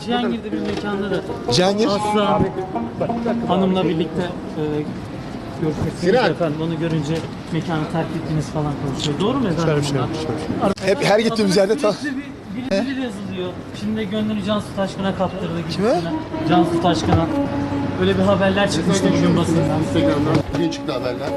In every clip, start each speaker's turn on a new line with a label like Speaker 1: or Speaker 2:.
Speaker 1: Cihangir'de bir mekanda da
Speaker 2: Cihangir.
Speaker 1: Aslı Hanım'la birlikte görüşmüşsünüz efendim. Onu görünce mekanı terk ettiniz falan konuşuyor. Doğru mu efendim?
Speaker 2: Hep her gittiğimiz yerde
Speaker 1: biri yazılıyor. Şimdi gönlünü Cansu Taşkın'a kaptırdı
Speaker 2: Kime?
Speaker 1: gibisine. Cansu Taşkın'a. Öyle bir haberler çıkmıştı bugün basından.
Speaker 3: Instagram'dan bugün çıktı haberler.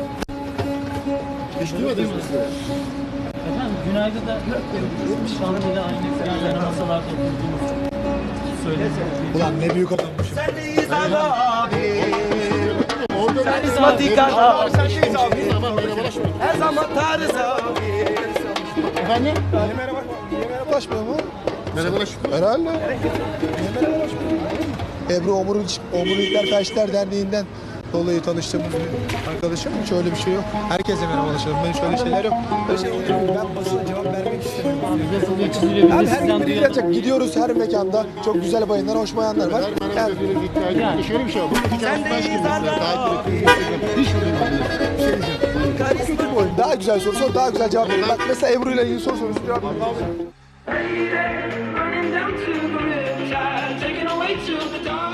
Speaker 3: Hiç duymadınız mı size?
Speaker 1: Efendim Günaydın'da Şanlı ile aynı yan masalarda oturduğumuz söyledi.
Speaker 2: Ulan ne büyük adammışım.
Speaker 4: Sendeyiz abi.
Speaker 3: Orada
Speaker 4: Sen İsmatika'da.
Speaker 3: Sen şeyiz abi. Ama merhabalaşma.
Speaker 4: Her zaman tarız abi.
Speaker 3: Efendim?
Speaker 2: Niye merhabalaşmıyor mu?
Speaker 3: Merhabalaşma.
Speaker 2: Herhalde. Niye merhabalaşmıyor? Ebru Omurilikler Felçler Derneği'nden dolayı tanıştığımız bir arkadaşım. Hiç öyle bir şey yok. Herkese merhabalaşalım. Ben hiç öyle şeyler yok. Öyle şey olur mu? Ben basına cevap vermek istemiyorum.
Speaker 1: Abi yazılıyor, çiziliyor.
Speaker 2: Ben
Speaker 1: Biz de
Speaker 2: her
Speaker 1: sizden
Speaker 2: gün biri
Speaker 1: duyalım.
Speaker 2: gelecek. Gidiyoruz her mekanda. Çok güzel bayanlar, hoş bayanlar var. Yani,
Speaker 3: Yani şöyle bir şey var. Bu hikayesi baş gibi mesela. Takip ettiğiniz Instagram. Hiç duymadınız. Bir şey diyeceğim.
Speaker 2: kötü bir oyun. Daha güzel soru sor, daha güzel cevap verin. Bak mesela Ebru ile ilgili soru soruyorsun. Cevap verin.
Speaker 5: Running down to the riverside, taking away to the dark.